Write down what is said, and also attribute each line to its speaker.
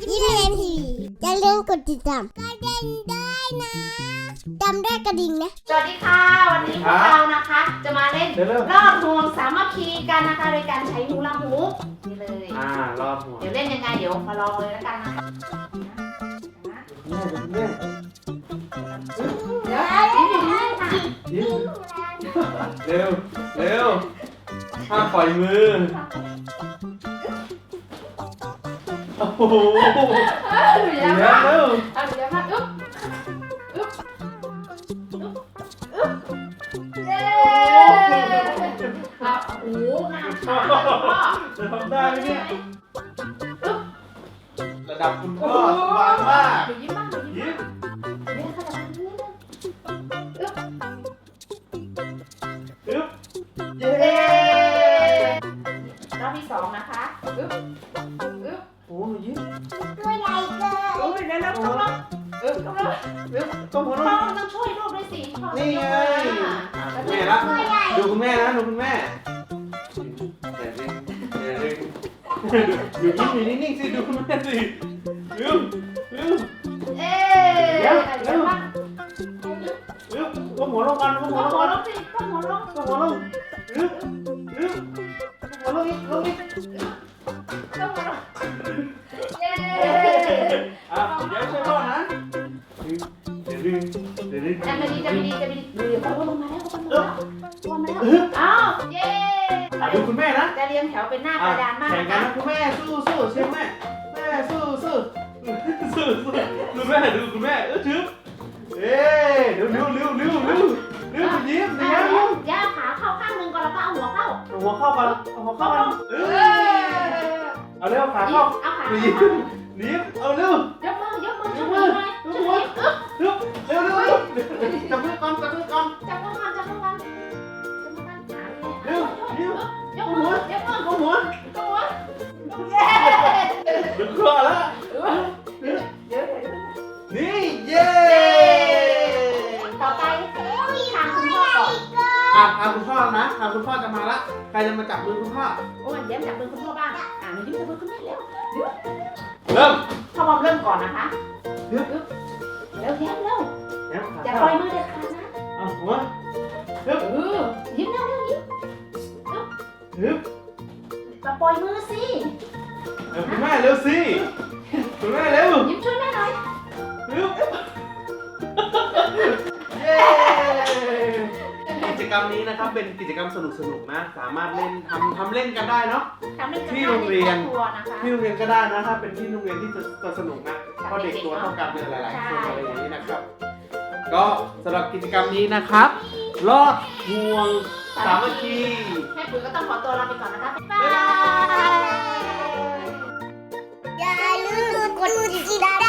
Speaker 1: ยิ้มเรียนทีวีอย่าลืมกดติดตามกระดิ่งด้วยนะจำได้กระดิ่งนะ
Speaker 2: สวัสดีค่ะวันนี้พวกเรานะคะจะมาเล่นรอบห่วงสามัคคีกันนะคะโดยการใช้ฮูลาฮูปนี่เลย
Speaker 3: รอบห่วง
Speaker 2: เดี๋ยวเล่นยังไงเดี๋ยวมาลองเลยแล้วกันนะคะเดี๋ยวยิ้มอยู่นี่ค่ะ
Speaker 3: เร็วเร็วห้ามปล่อยมือโอ้โห
Speaker 2: เดี๋ยวมาเดี๋ยวมาอึ๊บเย้โอ้โหงามมาก
Speaker 3: จะทำได้ไหมเนี่ยระดับคุณพ่อสบายมาก
Speaker 2: ยิ้มบ้างยิ้มเนี่ยค่ะ
Speaker 3: อึ๊บเย้
Speaker 2: รอบที่2นะคะอึ๊บ
Speaker 3: โอ้ยยิ้ม
Speaker 1: ตัวใหญ่เกิน
Speaker 2: โอ้ยเดี๋ยวต้องช่วยลูกด้วยสิ
Speaker 3: นี่ไงแม่ละดูคุณแม่นะดูคุณแม่อยู่ยิ้มอยู่นิ่งๆสิดูคุณแม่สิลืม
Speaker 2: เอ๊ะ
Speaker 3: ก้มหัวลงกันก้มหัวลงกัน
Speaker 2: สิก้มหัวลง
Speaker 3: ก้มหัวลงลืมหัวลงอีก
Speaker 2: ก้มหัวลงเย้
Speaker 3: เดี๋ยวช่วยพ่อนะเดี๋ยว
Speaker 2: จะไม่ดีเขาลงมาแล้วอ้าวเย้
Speaker 3: ดูคุณแม่นะ
Speaker 2: จะเรียงแถวเป็นหน้ากระดานมาก
Speaker 3: แข่งกันนะคุณแม่สู้เชียร์แม่สู้ดูแม่ดูคุณแม่ถือเอ๊ะเร็วคุณยิ้ม
Speaker 2: ย่าขาเข้าข้างนึงก่อนแล้วก็เอาหัวเข้า
Speaker 3: ก่อนเอาเร็วขาเข้ายิ้มเอาเร็วย
Speaker 2: กมือเร็ว
Speaker 3: จับมือก่อน
Speaker 2: ยกมือเย้
Speaker 3: ดึงคอแล้วนี่เย้
Speaker 2: ต่อไปทางคุณพ่อก่อน
Speaker 3: ทางคุณพ่อนะทางคุณพ่อจะมาละใครจะมาจับมือคุณพ่อ
Speaker 2: โอ้ยเดี๋ยวจับมือคุณพ่อบ้างหนูยิ้มจับมือคุณแม่เร็วพ่อบอมเริ่มก่อนนะคะเร็วอย่าปล่อยมือเด็ดขาดนะ
Speaker 3: หัว
Speaker 2: ยิ้มเร็วอย่าปล่อยมือสิ
Speaker 3: คุณแม่เร็วสิคุณแม่เร็ว
Speaker 2: ยิ้มช่วยแม่หน่อย
Speaker 3: กิจกรรมนี้นะครับเป็นกิจกรรมสนุกนะสามารถเล่นทำเล่นกันได้เนาะที่โรงเรียนก็ได้นะถ้าเป็นที่โรงเรียนที่จะสนุกนะเพราะเด็กตัวเท่ากันเนี่ยหลายๆคนอะไรอย่างนี้นะครับก็สำหรับกิจกรรมนี้นะครับลอดห่วงสามัคคี
Speaker 2: แม่ปุ๋ยก็ต้องขอตัวลาไปก่อนนะคะบ๊ายบาย
Speaker 1: อย่าลืมกดติดตาม